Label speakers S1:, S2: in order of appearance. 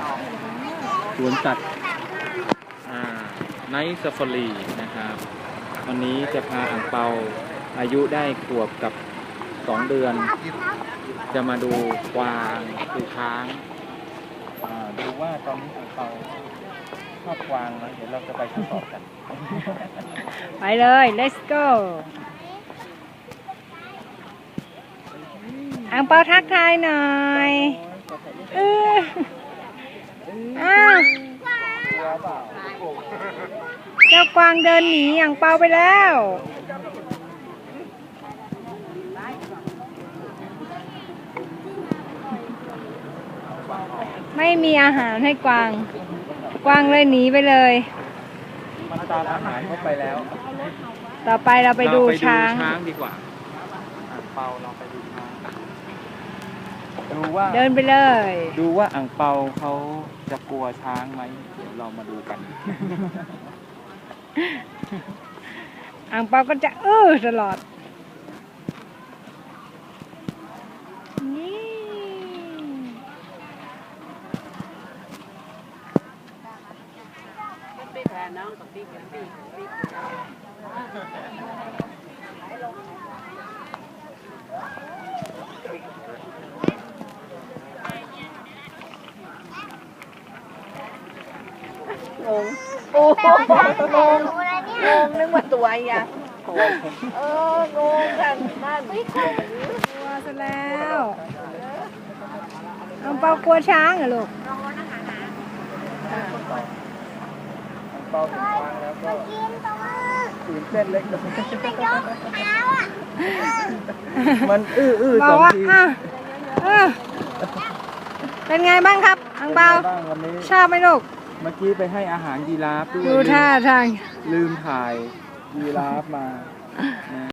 S1: สวนสัตว์ไนท์ซาฟารีนะครับ วันนี้จะพาอ่างเปาอายุได้ขวบกับ2 เดือน จะมาดูกวางดูช้างดูว่าตอนนี้อ่างเปาชอบกวางนะเดี๋ยวเราจะไปทดสอบกัน
S2: ไปเลย let's go อังเปาทักทายหน่อยอ้าวเจ้ากวางเดินหนีอังเปาไปแล้ว ไม่มีอาหารให้กวาง กวางเลยหนีไปเลย
S1: มันตามอาหารเข้าไปแล้ว
S2: ต่อไปเราไปดูช้าง
S1: ดีกว่าอ่างเปาเราไปดูช้างดูว่า
S2: เดินไปเลย
S1: ดูว่าอ่างเปาเขาจะกลัวช้างไหมเดี๋ยวเรามาดูกัน
S2: อังเปาก็จะตลอดนี่
S3: งงโอ้โหงงนึกว่าตัวอ่ะงงกันนั่น
S2: กลัวซะแล้วอังเปากลัวช้างเหรอลูก
S1: เปาถึงช้างแล้วก็ตื่นเต้นเล็กน้อยมัน
S2: บ
S1: ส
S2: อ
S1: อก ง
S2: ว่า
S1: ที
S2: เป็นไงบ้างครับอังเปา
S1: วันนี้
S2: ชอบไหมลูก
S1: เมื่อกี้ไปให้อาหารยีราฟด้วย
S2: ดูท่าทาง
S1: ลืมถ่ายยีราฟมา